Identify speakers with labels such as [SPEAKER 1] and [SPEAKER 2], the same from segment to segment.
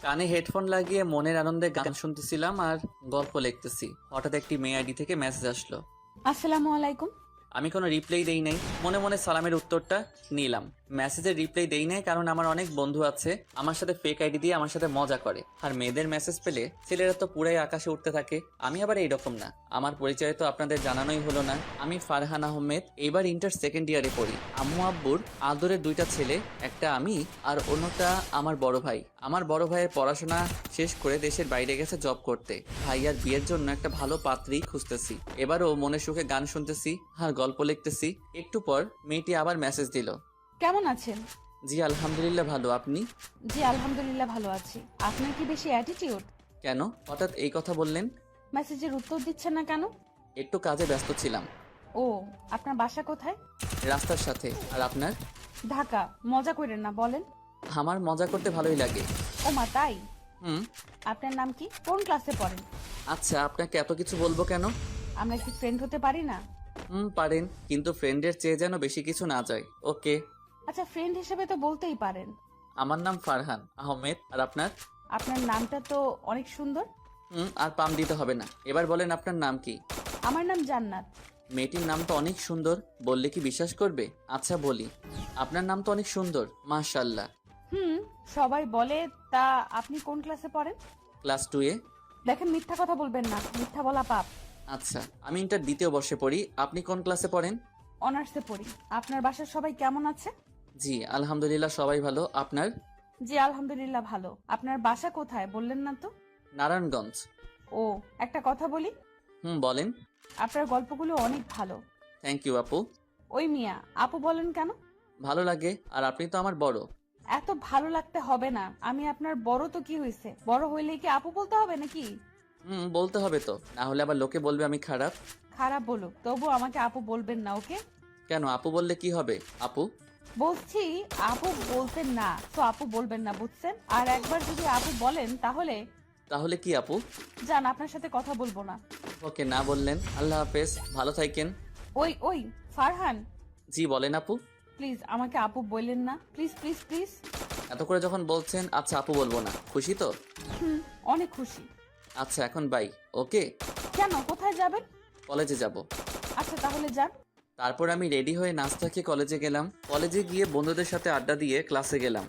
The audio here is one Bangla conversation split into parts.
[SPEAKER 1] কানে হেডফোন লাগিয়ে মনের আনন্দে গান শুনতেছিলাম আর গল্প লিখতেছি। হঠাৎ একটি মেয়ে আইডি থেকে মেসেজ আসলো।
[SPEAKER 2] আসসালামু আলাইকুম।
[SPEAKER 1] আমি কোনো রিপ্লাই দেই নাই, মনে মনে সালামের উত্তরটা নিলাম। মেসেজের রিপ্লাই দেই নাই কারণ আমার অনেক বন্ধু আছে আমার সাথে ফেক আইডি দিয়ে আমার সাথে মজা করে, আর মেয়েদের মেসেজ পেলে ছেলেরা তো পুরাই আকাশে উঠতে থাকে। আমি আবার এইরকম না। আমার পরিচয় তো আপনাদের জানানোই হলো না। আমি ফারহান আহমেদ, এইবার ইন্টার সেকেন্ড ইয়ারে পড়ি। আম্মু আব্বুর আদরের দুইটা ছেলে, একটা আমি আর অন্যটা আমার বড় ভাই। আমার বড় ভাইয়ের পড়াশোনা শেষ করে দেশের বাইরে গেছে জব করতে। ভাইয়ার বিয়ের জন্য একটা ভালো পাত্রী খুঁজতেছি। এবারও মনে সুখে গান শুনতেছি আর গল্প লিখতেছি। একটু পর মেয়েটি আবার মেসেজ দিল।
[SPEAKER 2] কেমন আছেন?
[SPEAKER 1] জি আলহামদুলিল্লাহ ভালো, আপনি?
[SPEAKER 2] জি আলহামদুলিল্লাহ ভালো আছি। আপনার কি বেশি অ্যাটিটিউড?
[SPEAKER 1] কেন হঠাৎ এই কথা বললেন?
[SPEAKER 2] মেসেজের উত্তর দিচ্ছেন না কেন?
[SPEAKER 1] একটু কাজে ব্যস্ত ছিলাম।
[SPEAKER 2] ও, আপনার বাসা কোথায়?
[SPEAKER 1] রাস্তার সাথে। আর আপনার?
[SPEAKER 2] ঢাকা। মজা করেন না, বলেন।
[SPEAKER 1] আমার মজা করতে ভালোই লাগে।
[SPEAKER 2] ও মা, তাই?
[SPEAKER 1] হুম।
[SPEAKER 2] আপনার নাম কি? কোন ক্লাসে পড়েন?
[SPEAKER 1] আচ্ছা, আপনাকে এত কিছু বলবো কেন?
[SPEAKER 2] আমরা কি ফ্রেন্ড হতে পারি না?
[SPEAKER 1] পারেন, কিন্তু ফ্রেন্ডের চেয়ে যেন বেশি কিছু না যায়। ওকে।
[SPEAKER 2] আচ্ছা, ফ্রেন্ড হিসেবে তো বলতেই পারেন।
[SPEAKER 1] আমার নাম ফারহান আহমেদ, আর আপনার?
[SPEAKER 2] আপনার নামটা তো অনেক সুন্দর।
[SPEAKER 1] আর পাম দিতে হবে না। এবার বলেন আপনার নাম কি?
[SPEAKER 2] আমার নাম জান্নাত।
[SPEAKER 1] মেয়েটির নাম তো অনেক সুন্দর, বললে কি বিশ্বাস করবে? আচ্ছা বলি, আপনার নাম তো অনেক সুন্দর, মাশাআল্লাহ।
[SPEAKER 2] হুম, সবাই বলে। তা আপনি কোন ক্লাসে পড়েন?
[SPEAKER 1] ক্লাস 2-এ।
[SPEAKER 2] দেখেন, মিথ্যা কথা বলবেন না, মিথ্যা বলা পাপ।
[SPEAKER 1] আচ্ছা, আমি ইন্টার দ্বিতীয় বর্ষে পড়ি। আপনি কোন ক্লাসে পড়েন?
[SPEAKER 2] অনার্সে পড়ি। আপনার বাসার সবাই কেমন আছে?
[SPEAKER 1] জি আলহামদুলিল্লাহ সবাই ভালো, আপনার?
[SPEAKER 2] জি আলহামদুলিল্লাহ ভালো। আপনার বাসা কোথায় বললেন না তো?
[SPEAKER 1] নারায়ণগঞ্জ।
[SPEAKER 2] ও, একটা কথা বলি।
[SPEAKER 1] বলেন।
[SPEAKER 2] আপনার গল্পগুলো অনেক ভালো।
[SPEAKER 1] থ্যাংক ইউ আপু।
[SPEAKER 2] ওই মিয়া, আপু বলেন কেন?
[SPEAKER 1] ভালো লাগে, আর আপনি তো আমার বড়।
[SPEAKER 2] এত ভালো লাগতে হবে না। আমি আপনার বড় তো কি হয়েছে, বড় হইলেই কি আপু বলতে হবে নাকি?
[SPEAKER 1] বলতে হবে তো, না হলে আবার লোকে বলবে আমি খারাপ।
[SPEAKER 2] খারাপ বলুক, তবু আমাকে আপু বলবেন না, ওকে?
[SPEAKER 1] কেন, আপু বললে কি হবে? আপু।
[SPEAKER 2] বলছি আপু বলতেন না তো আপু বলবেন না, বুঝছেন? আর একবার যদি আপু বলেন তাহলে
[SPEAKER 1] তাহলে কি আপু?
[SPEAKER 2] যান, আপনার সাথে কথা বলবো না।
[SPEAKER 1] ওকে, না বললেন। আল্লাহ হাফেজ, ভালো থাকেন।
[SPEAKER 2] ওই ওই, ফারহান,
[SPEAKER 1] জি বলেন আপু।
[SPEAKER 2] প্লিজ আমাকে আপু বললেন না, প্লিজ প্লিজ প্লিজ।
[SPEAKER 1] এত করে যখন বলছেন, আচ্ছা আপু বলবো না, খুশি তো?
[SPEAKER 2] হুম, অনেক খুশি।
[SPEAKER 1] আচ্ছা এখন বাই। ওকে।
[SPEAKER 2] কেন, কোথায় যাবেন?
[SPEAKER 1] কলেজে যাব।
[SPEAKER 2] আচ্ছা তাহলে যান।
[SPEAKER 1] তারপর আমি রেডি হয়ে নাস্তা খেয়ে কলেজে গেলাম। কলেজে গিয়ে বন্ধুদের সাথে আড্ডা দিয়ে ক্লাসে গেলাম।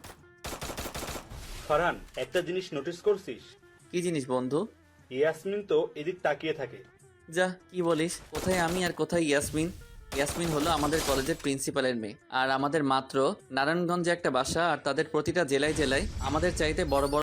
[SPEAKER 3] ফারহান, একটা জিনিস নোটিস করছিস?
[SPEAKER 1] কি জিনিস বন্ধু?
[SPEAKER 3] ইয়াসমিন তো এদিক তাকিয়ে থাকে।
[SPEAKER 1] যা, কি বলিস? কোথায় আমি আর কোথায় ইয়াসমিন? ইয়াসমিন হলো আমাদের কলেজের প্রিন্সিপালের মেয়ে, আর আমাদের মাত্র নারায়ণগঞ্জে একটা বাসা, আর তাদের প্রতিটা জেলায় জেলায় আমাদের চাইতে বড় বড়